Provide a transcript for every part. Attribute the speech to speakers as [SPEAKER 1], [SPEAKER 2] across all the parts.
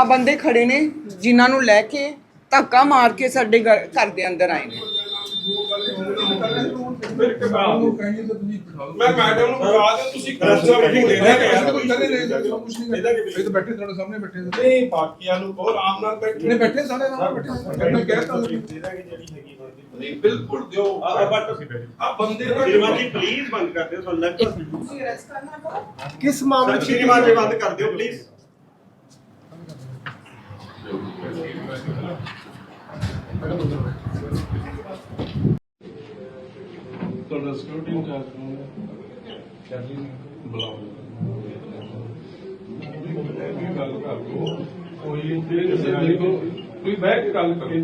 [SPEAKER 1] ਆ ਬੰਦੇ ਖੜੇ ਨੇ ਜਿਨ੍ਹਾਂ ਨੂੰ ਲੈ ਕੇ ਧੱਕਾ ਮਾਰ ਕੇ ਸਾਡੇ ਘਰ ਦੇ ਅੰਦਰ ਆਏ ਨੇ।
[SPEAKER 2] ਮੈਂ ਮੈਡਮ ਨੂੰ ਬੁਲਾ ਦਿਓ, ਤੁਸੀਂ ਕਰਸਾ ਮੀਟਿੰਗ ਦੇ ਰਹੇ
[SPEAKER 3] ਇਹ ਤਾਂ ਬੈਠੇ ਤੁਹਾਡੇ ਸਾਹਮਣੇ ਬੈਠੇ
[SPEAKER 2] ਨਹੀਂ ਬਾਕੀਆਂ ਨੂੰ ਬਹੁਤ ਆਰਾਮ ਨਾਲ ਬੈਠੇ
[SPEAKER 3] ਨੇ ਬੈਠੇ ਸਾਡੇ ਨਾਲ ਬੈਠੇ ਮੈਂ ਕਹਿ ਤਾ
[SPEAKER 2] ਨਹੀਂ ਬਿਲਕੁਲ ਦਿਓ ਆ ਬੰਦੇ ਦਾ
[SPEAKER 4] ਸ਼੍ਰੀਮਾਨ ਜੀ ਪਲੀਜ਼ ਬੰਦ ਕਰ ਦਿਓ ਸਾਨੂੰ ਲੱਗਦਾ
[SPEAKER 1] ਤੁਸੀਂ ਅਰੈਸਟ ਕਰਨਾ ਪੜਾ
[SPEAKER 4] ਕਿਸ ਮਾਮਲੇ ਵਿੱਚ ਸ਼੍ਰੀਮਾਨ ਜੀ ਬੰਦ ਕਰ ਦਿਓ ਪਲੀਜ਼
[SPEAKER 2] ਤੁਹਾਡਾ ਸਿਕਿਉਰਿਟੀ ਇੰਚਾਰਜ ਬੁਲਾਓ ਗੱਲ ਕਰ ਲਓ ਕੋਈ ਕੋਈ ਬਹਿ ਕੇ ਗੱਲ ਕਰੋ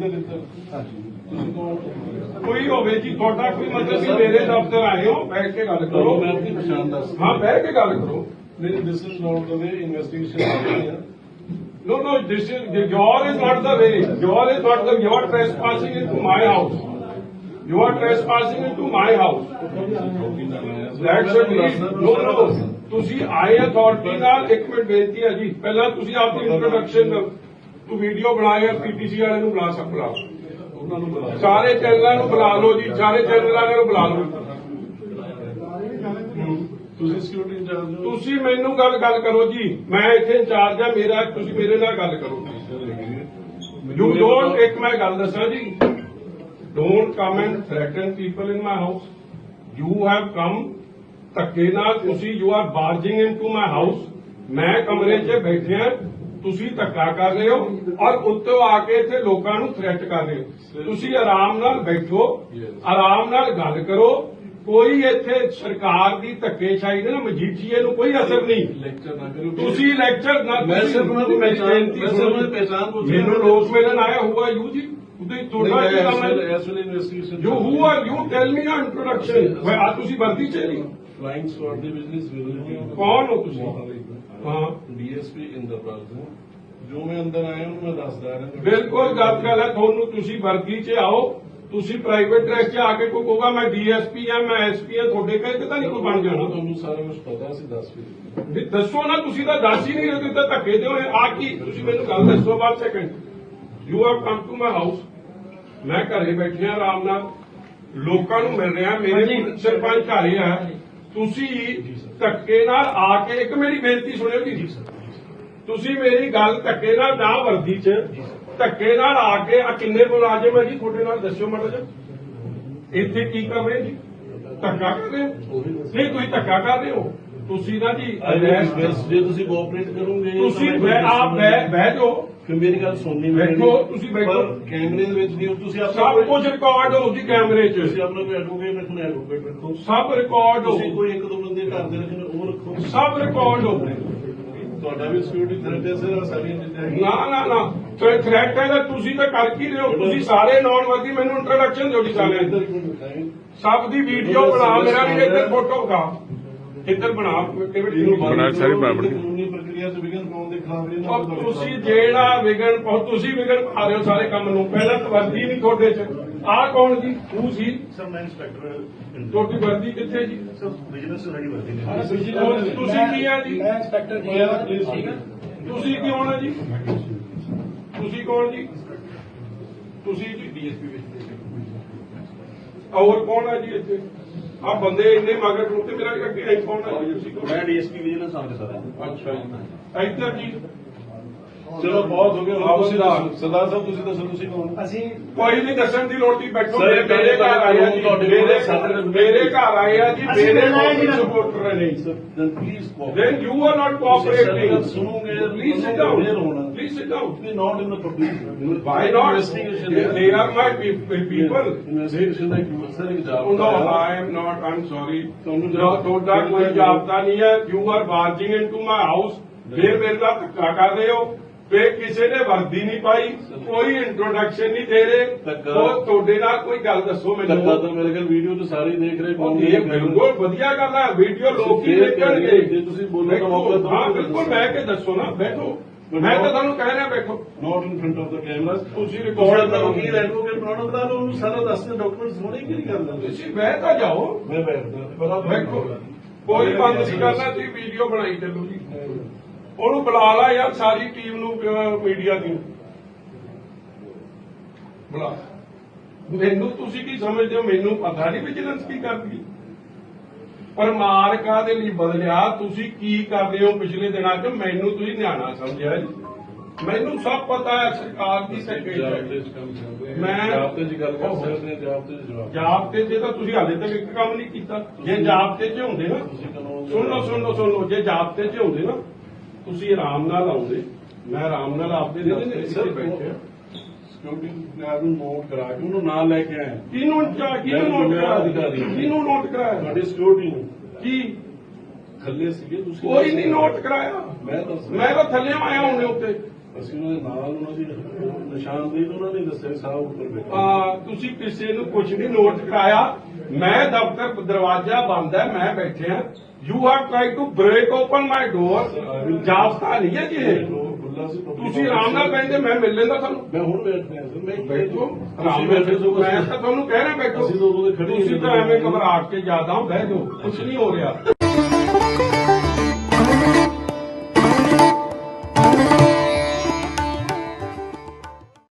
[SPEAKER 2] ਕੋਈ ਹੋਵੇ ਜੀ ਤੁਹਾਡਾ ਕੋਈ ਮਤਲਬ ਕਿ ਮੇਰੇ ਦਫ਼ਤਰ ਆਏ ਹੋ ਬੈਠ ਕੇ ਗੱਲ ਕਰੋ
[SPEAKER 5] ਮੈਂ ਆਪਣੀ ਪਛਾਣ ਦੱਸ
[SPEAKER 2] ਹਾਂ ਬਹਿ ਕੇ ਗੱਲ ਕਰੋ
[SPEAKER 5] ਨਹੀਂ this is not the way investigation
[SPEAKER 2] No, this is your is not the way. Your is not the. You are trespassing into my house. You are trespassing into my house. That's it. No. ਤੁਸੀਂ ਆਏ authority ਨਾਲ ਇੱਕ minute ਬੇਨਤੀ ਹੈ ਜੀ ਪਹਿਲਾਂ ਤੁਸੀਂ ਆਪਣੀ ਇੰਟਰੋਡਕਸ਼ਨ ਤੂੰ ਵੀਡੀਓ ਬਣਾਇਆ ਪੀਟੀਸੀ ਵਾਲੇ ਨੂੰ ਬੁਲਾ ਸਕਦਾ
[SPEAKER 5] ਉਹਨਾਂ ਨੂੰ ਬੁਲਾ
[SPEAKER 2] ਸਾਰੇ ਚੈਨਲਾਂ ਨੂੰ ਬੁਲਾ ਲਓ ਜੀ ਸਾਰੇ ਚੈਨਲਾਂ ਨੂੰ ਬੁਲਾ ਲਓ
[SPEAKER 5] ਤੁਸੀਂ ਸਿਕਿਉਰਿਟੀ ਇੰਚਾਰਜ ਹੋ
[SPEAKER 2] ਤੁਸੀਂ ਮੈਨੂੰ ਗੱਲ ਕਰੋ ਜੀ ਮੈਂ ਇੱਥੇ ਇੰਚਾਰਜ ਆ ਮੇਰਾ ਤੁਸੀਂ ਮੇਰੇ ਨਾਲ ਗੱਲ ਕਰੋ ਯੂ ਡੋਂਟ ਇੱਕ ਮੈਂ ਗੱਲ ਦੱਸਾਂ ਜੀ don't come and threaten people in my house you have come ਧੱਕੇ ਨਾਲ ਤੁਸੀਂ you are barging into my house ਮੈਂ ਕਮਰੇ 'ਚ ਬੈਠਿਆ ਤੁਸੀਂ ਧੱਕਾ ਕਰ ਰਹੇ ਹੋ ਔਰ ਉੱਤੋਂ ਆ ਕੇ ਇੱਥੇ ਲੋਕਾਂ ਨੂੰ ਥ੍ਰੈਟ ਕਰ ਰਹੇ ਹੋ ਤੁਸੀਂ ਆਰਾਮ ਨਾਲ ਬੈਠੋ ਆਰਾਮ ਨਾਲ ਗੱਲ ਕਰੋ ਕੋਈ ਇੱਥੇ ਸਰਕਾਰ ਦੀ ਧੱਕੇਸ਼ਾਹੀ ਦੇ ਨਾ ਮਜੀਠੀਏ ਨੂੰ ਕੋਈ ਅਸਰ ਨਹੀਂ
[SPEAKER 5] ਲੈਕਚਰ ਨਾ ਕਰੋ
[SPEAKER 2] ਤੁਸੀਂ ਲੈਕਚਰ ਨਾ
[SPEAKER 5] ਮੈਂ ਸਿਰਫ ਉਹਨਾਂ ਦੀ ਪਹਿਚਾਣ ਪੁੱਛ
[SPEAKER 2] ਮੈਨੂੰ ਲੋਕ ਮਿਲਣ ਆਇਆ ਹੁਆ ਯੂ ਜੀ ਉਹਦੇ ਤੁਹਾਡਾ ਕੀ ਕੰਮ ਹੈ
[SPEAKER 5] as well investigation
[SPEAKER 2] you who are you tell me ਨਾ ਇੰਟਰੋਡਕਸ਼ਨ ਮੈਂ ਆ ਤੁਸੀਂ ਵਰਦੀ ਚ ਨਹੀਂ
[SPEAKER 5] ਫਲਾਈਂਗ ਸਵਾਰਡ ਦੀ ਬਿਜ਼ਨਸ ਵਿਜ਼ਿਟ
[SPEAKER 2] ਕੌਣ ਹੋ ਤੁਸੀਂ ਹਾਂ
[SPEAKER 5] ਡੀਐਸਪੀ ਇੰਦਰਪਾਲ ਸਿੰਘ ਜੋ ਮੈਂ ਅੰਦਰ ਆਇਆ ਉਹਨੂੰ ਮੈਂ ਦੱਸਦਾ ਰਿਹਾ
[SPEAKER 2] ਬਿਲਕੁਲ ਗੱਲ ਹੈ ਤੁਹਾਨੂੰ ਤੁਸੀਂ ਵਰਦੀ ਚ ਆਓ ਤੁਸੀਂ ਪ੍ਰਾਈਵੇਟ ਡਰੈਸ 'ਚ ਆ ਕੇ ਕੋਈ ਕਹੂਗਾ ਮੈਂ ਡੀਐਸਪੀ ਆ ਮੈਂ ਐਸਪੀ ਆ ਤੁਹਾਡੇ ਕਹਿੰਦੇ ਤਾਂ ਨਹੀਂ ਕੋਈ ਬਣ ਜਾਣਾ
[SPEAKER 5] ਤੁਹਾਨੂੰ ਸਾਰਾ ਕੁਝ ਪਤਾ ਸੀ ਦੱਸ ਵੀ
[SPEAKER 2] ਵੀ ਦੱਸੋ ਨਾ ਤੁਸੀਂ ਤਾਂ ਦੱਸ ਹੀ ਨਹੀਂ ਰਹੇ ਤੁਸੀਂ ਤਾਂ ਧੱਕੇ ਦਿਓ ਆ ਕੀ ਤੁਸੀਂ ਮੈਨੂੰ ਗੱਲ ਦੱਸੋ ਬਾਅਦ second you have come to my house ਮੈਂ ਘਰੇ ਬੈਠਿਆ ਆਰਾਮ ਨਾਲ ਲੋਕਾਂ ਨੂੰ ਮਿਲ ਰਿਹਾ ਮੇਰੇ ਸਰਪੰਚ ਘਰੇ ਆ ਤੁਸੀਂ ਧੱਕੇ ਨਾਲ ਆ ਕੇ ਇੱਕ ਮੇਰੀ ਬੇਨਤੀ ਸੁਣਿਓ ਜੀ ਤੁਸੀਂ ਮੇਰੀ ਗੱਲ ਧੱਕੇ ਨਾਲ ਨਾ ਵਰਦੀ 'ਚ ਧੱਕੇ ਨਾਲ ਆ ਕੇ ਆ ਕਿੰਨੇ ਮੁਲਾਜ਼ਮ ਹੈ ਜੀ ਤੁਹਾਡੇ ਨਾਲ ਦੱਸਿਓ ਮਾੜਾ ਜਿਹਾ ਇੱਥੇ ਕੀ ਕਰ ਰਹੇ ਜੀ ਧੱਕਾ ਕਰ ਰਹੇ ਹੋ ਨਹੀਂ ਤੁਸੀਂ ਧੱਕਾ ਕਰ ਰਹੇ ਹੋ ਤੁਸੀਂ ਨਾ ਜੀ
[SPEAKER 5] ਜੇ ਤੁਸੀਂ ਕੋਆਪਰੇਟ ਕਰੋਗੇ
[SPEAKER 2] ਤੁਸੀਂ ਆਪ ਬਹਿ ਜਾਓ
[SPEAKER 5] ਫਿਰ ਮੇਰੀ ਗੱਲ ਸੁਣਨੀ
[SPEAKER 2] ਬੈਠੋ ਤੁਸੀਂ ਬੈਠੋ
[SPEAKER 5] ਕੈਮਰੇ ਦੇ ਵਿੱਚ ਨਹੀਂ ਤੁਸੀਂ
[SPEAKER 2] ਸਭ ਕੁਝ ਰਿਕਾਰਡ ਹੋ ਜੀ ਕੈਮਰੇ 'ਚ
[SPEAKER 5] ਤੁਸੀਂ ਆਪਣਾ ਕੋਈ ਐਡਵੋਕੇਟ ਰੱਖਣਾ ਐਡਵੋਕੇਟ ਰੱਖੋ
[SPEAKER 2] ਸਭ ਰਿਕਾਰਡ ਹੋ
[SPEAKER 5] ਤੁਸੀਂ ਕੋਈ ਇੱਕ ਦੋ ਬੰਦੇ ਘਰ ਦੇ ਰੱਖਣੇ ਉਹ ਰੱਖੋ
[SPEAKER 2] ਸਭ ਰਿਕਾਰਡ ਹੋ
[SPEAKER 5] ਤੁਹਾਡਾ ਵੀ ਸਿਕਿਉਰਿਟੀ ਥ੍ਰੈਟ ਹੈ ਸਰ ਸਾਰੀਆਂ ਚੀਜ਼ਾਂ
[SPEAKER 2] ਨਾ ਥ੍ਰੈਟ ਹੈ ਤਾਂ ਤੁਸੀਂ ਤਾਂ ਕਰ ਕੀ ਰਹੇ ਹੋ ਤੁਸੀਂ ਸਾਰੇ ਨੌਨ ਵਰਦੀ ਮੈਨੂੰ ਇੰਟਰੋਡਕਸ਼ਨ ਦਿਓ ਜੀ ਸਾਰਿਆਂ ਦੀ ਸਭ ਦੀ ਵੀਡੀਓ ਬਣਾ ਮੇਰਾ ਵੀ ਇੱਧਰ ਫੋਟੋ ਖਾ ਇੱਧਰ ਬਣਾ
[SPEAKER 5] ਸਾਰੀ ਕਾਨੂੰਨੀ ਪ੍ਰਕਿਰਿਆ ਚ ਵਿਘਨ ਪਾਉਣ ਦੇ ਖਿਲਾਫ
[SPEAKER 2] ਤੁਸੀਂ ਜਿਹੜਾ ਵਿਗਣ ਤੁਸੀਂ ਵਿਗਣ ਪਾ ਰਹੇ ਹੋ ਸਾਰੇ ਕੰਮ ਨੂੰ ਪਹਿਲਾਂ ਤਾਂ ਵਰਦੀ ਨਹੀਂ ਤੁਹਾਡੇ ਚ ਆਹ ਕੌਣ ਜੀ ਤੂੰ ਸੀ
[SPEAKER 4] ਸਰ ਮੈਂ ਇੰਸਪੈਕਟਰ
[SPEAKER 2] ਤੁਹਾਡੀ ਵਰਦੀ ਕਿੱਥੇ ਜੀ
[SPEAKER 4] ਸਰ ਬਿਜ਼ਨਸ ਸਾਡੀ ਵਰਦੀ ਨੇ
[SPEAKER 2] ਤੁਸੀਂ ਕੀ ਆ ਜੀ
[SPEAKER 3] ਮੈਂ ਇੰਸਪੈਕਟਰ
[SPEAKER 2] ਤੁਸੀਂ ਕੀ ਹੋਣਾ ਜੀ ਤੁਸੀਂ ਕੌਣ ਜੀ ਤੁਸੀਂ ਜੀ ਡੀਐਸਪੀ ਵਿੱਚ ਹੋਰ ਕੌਣ ਹੈ ਜੀ ਇੱਥੇ ਆ ਬੰਦੇ ਇੰਨੇ ਮਗਰ ਨੂੰ ਤੇ ਮੇਰਾ ਅੱਗੇ ਕੌਣ ਹੈ ਜੀ ਤੁਸੀਂ
[SPEAKER 4] ਮੈਂ ਡੀਐਸਪੀ ਵਿਜੀਲੈਂਸ ਆਫਿਸਰ ਹਾਂ
[SPEAKER 2] ਅੱਛਾ ਜੀ ਇੱਧਰ ਜੀ
[SPEAKER 5] ਚਲੋ ਬਹੁਤ ਹੋ ਗਿਆ ਤੁਸੀਂ ਸਰਦਾਰ ਸਾਹਿਬ ਤੁਸੀਂ ਦੱਸੋ ਤੁਸੀਂ ਕੌਣ
[SPEAKER 3] ਅਸੀਂ
[SPEAKER 2] ਕੋਈ ਨਹੀਂ ਦੱਸਣ ਦੀ ਲੋੜ ਨਹੀਂ ਬੈਠੋ
[SPEAKER 5] Sir,
[SPEAKER 2] ਮੇਰੇ ਘਰ ਆਏ ਆ ਜੀ
[SPEAKER 5] ਤੁਹਾਡੇ
[SPEAKER 2] ਮੇਰੇ ਘਰ ਆਏ ਆ ਜੀ
[SPEAKER 3] ਅਸੀਂ
[SPEAKER 2] ਮੇਰੇ
[SPEAKER 3] ਮਿਲਣਾ ਹੈ ਜੀ।
[SPEAKER 2] ਸਪੋਰਟਰ ਨੇ
[SPEAKER 5] then please cooperate.
[SPEAKER 2] then you are not cooperating
[SPEAKER 5] ਸੁਣੋਗੇ
[SPEAKER 2] please sit down please sit down
[SPEAKER 5] We're not in the public
[SPEAKER 2] why not
[SPEAKER 5] investigation
[SPEAKER 2] they are my people
[SPEAKER 5] investigation ਦਾ ਇੱਕ ਸਰ ਇੱਕ
[SPEAKER 2] Oh, no, I am not. I'm sorry. ਤੁਹਾਡਾ ਕੋਈ ਜਾਬਤਾ ਨਹੀਂ ਹੈ you are barging into my house ਫਿਰ ਮੇਰੇ ਨਾਲ ਧੱਕਾ ਕਰ ਰਹੇ ਹੋ ਫਿਰ ਕਿਸੇ ਨੇ ਵਰਦੀ ਨਹੀਂ ਪਾਈ ਕੋਈ ਇੰਟਰੋਡਕਸ਼ਨ ਨਹੀਂ ਦੇ ਰਹੇ ਉਹ ਤੁਹਾਡੇ ਨਾਲ ਕੋਈ ਗੱਲ ਦੱਸੋ
[SPEAKER 5] ਧੱਕਾ
[SPEAKER 2] ਮੈਨੂੰ
[SPEAKER 5] ਤਾਂ ਮੇਰੇ ਖਿਆਲ ਵੀਡੀਓ ਤੇ ਸਾਰੇ ਦੇਖ ਰਹੇ
[SPEAKER 2] ਇਹ ਬਿਲਕੁਲ ਵਧੀਆ ਗੱਲ ਹੈ ਵੀਡੀਓ ਲੋਕ ਹੀ ਦੇਖਣਗੇ
[SPEAKER 5] ਜੇ ਤੁਸੀਂ ਬੋਲੋ ਤਾਂ ਮੌਕਾ ਦਿਓ
[SPEAKER 2] ਹਾਂ ਬਿਲਕੁਲ ਬਹਿ ਕੇ ਦੱਸੋ ਨਾ ਬੈਠੋ ਮੈਂ ਤਾਂ ਤੁਹਾਨੂੰ ਕਹਿ ਰਿਹਾ ਬੈਠੋ
[SPEAKER 5] not in front of the camera
[SPEAKER 2] ਤੁਸੀਂ
[SPEAKER 5] ਰਿਕਾਰਡ
[SPEAKER 2] ਰਿਕਾਰਡ
[SPEAKER 5] ਕਰੋ
[SPEAKER 2] ਕਰੋ
[SPEAKER 5] ਕੀ ਐਡਵੋਕੇਟ ਬਣਾਉਣਾ ਬਣਾ ਲਓ ਉਹਨੂੰ ਸਾਰਾ ਦੱਸਦੇ ਡਾਕੂਮੈਂਟਸ ਹੋਣੇ ਕਿਹੜੀ ਗੱਲ ਹੈ
[SPEAKER 2] ਤੁਸੀਂ ਬਹਿ ਤਾਂ ਜਾਓ
[SPEAKER 5] ਮੈਂ ਬੈਠਦਾ
[SPEAKER 2] ਬੈਠੋ ਕੋਈ ਬੰਦ ਨਹੀਂ ਕਰਨਾ ਤੁਸੀਂ ਵੀਡੀਓ ਬਣਾਈ ਚੱਲੋ ਜੀ ਉਹਨੂੰ ਬੁਲਾ ਲਾ ਯਾਰ, ਸਾਰੀ ਟੀਮ ਨੂੰ, ਮੀਡੀਆ ਦੀ ਬੁਲਾ। ਮੈਨੂੰ ਤੁਸੀਂ ਕੀ ਸਮਝਦੇ ਹੋ? ਮੈਨੂੰ ਪਤਾ ਨਹੀਂ ਵਿਜੀਲੈਂਸ ਕੀ ਕਰਦੀ। ਪਰ ਮਾਰ ਕਾਹਦੇ ਲਈ ਬਦਲਿਆ? ਤੁਸੀਂ ਕੀ ਕਰਦੇ ਹੋ ਪਿਛਲੇ ਦਿਨਾਂ 'ਚ? ਮੈਨੂੰ ਤੁਸੀਂ ਨਿਆਣਾ ਸਮਝਿਆ ਜੀ? ਮੈਨੂੰ ਸਭ ਪਤਾ ਹੈ ਸਰਕਾਰ ਦੀ ਸੈਕਟਰੀ। ਮੈਂ
[SPEAKER 5] ਜਾਬਤੇ ਦੀ ਗੱਲ ਕਰ ਸਕਦੇ ਹਾਂ, ਜਾਬਤੇ ਦੇ ਜਵਾਬ
[SPEAKER 2] ਜਾਬਤੇ 'ਚ ਤਾਂ ਤੁਸੀਂ ਹਾਲੇ ਤੱਕ ਇੱਕ ਕੰਮ ਨਹੀਂ ਕੀਤਾ। ਜੇ ਜਾਬਤੇ 'ਚ ਹੁੰਦੇ ਨਾ, ਸੁਣ ਲਓ, ਜੇ ਜਾਬਤੇ 'ਚ ਹੁੰਦੇ ਨਾ, ਤੁਸੀਂ ਆਰਾਮ ਨਾਲ ਆਉਂਦੇ, ਮੈਂ ਆਰਾਮ ਨਾਲ ਆਪਦੇ ਦਫ਼ਤਰ 'ਚ ਬੈਠੇ ਆ।
[SPEAKER 5] ਸਿਕਿਉਰਿਟੀ ਗਾਰਡ ਨੂੰ ਨੋਟ ਕਰਾ ਕੇ ਉਹਨੂੰ ਨਾਲ ਲੈ ਕੇ ਆਏ।
[SPEAKER 2] ਕਿਹਨੂੰ ਨੋਟ ਕਰਾਇਆ?
[SPEAKER 5] ਤੁਹਾਡੀ ਸਿਕਿਉਰਿਟੀ ਨੂੰ
[SPEAKER 2] ਕੀ
[SPEAKER 5] ਥੱਲੇ ਸੀਗੇ ਤੁਸੀਂ?
[SPEAKER 2] ਕੋਈ ਨਹੀਂ ਨੋਟ ਕਰਾਇਆ। ਮੈਂ ਤਾਂ ਥੱਲੇ ਆਇਆ ਹੁੰਦੇ ਉੱਤੇ।
[SPEAKER 5] ਅਸੀਂ ਉਹਨਾਂ ਦੇ ਨਾਲ ਉਹਨਾਂ ਦੀ ਨਿਸ਼ਾਨਦੇਹੀ ਤੋਂ ਉਹਨਾਂ ਨੇ ਦੱਸਿਆ ਸਾਹਿਬ ਉੱਪਰ ਬੈਠੇ।
[SPEAKER 2] ਤੁਸੀਂ ਕਿਸੇ ਨੂੰ ਕੁਝ ਨਹੀਂ ਨੋਟ ਕਰਾਇਆ। ਮੈਂ ਦਫ਼ਤਰ ਦਰਵਾਜ਼ਾ ਬੰਦ ਹੈ, ਮੈਂ ਬੈਠਿਆ। You have try to break open my door. ਜਾਬਤਾ ਨਹੀਂ ਹੈ ਜੀ ਇਹ। ਤੁਸੀਂ ਆਰਾਮ ਨਾਲ ਬੈਠੇ, ਮੈਂ ਮਿਲ ਲੈਂਦਾ ਤੁਹਾਨੂੰ।
[SPEAKER 5] ਮੈਂ ਹੁਣ ਬੈਠ ਰਿਹਾ ਸਰ। ਮੈਂ
[SPEAKER 2] ਬੈਠੋ ਆਰਾਮ ਨਾਲ ਬੈਠੋ। ਮੈਂ ਤਾਂ ਤੁਹਾਨੂੰ ਕਹਿਣਾ ਬੈਠੋ।
[SPEAKER 5] ਅਸੀਂ ਤਾਂ ਉਦੋਂ ਦੇ ਖੜੇ ਹੀ
[SPEAKER 2] ਤੁਸੀਂ ਤਾਂ ਐਵੇਂ ਘਬਰਾਹਟ ਕੇ ਜ਼ਿਆਦਾ ਬਹਿ ਜਾਓ, ਕੁਝ ਨਹੀਂ ਹੋ ਰਿਹਾ।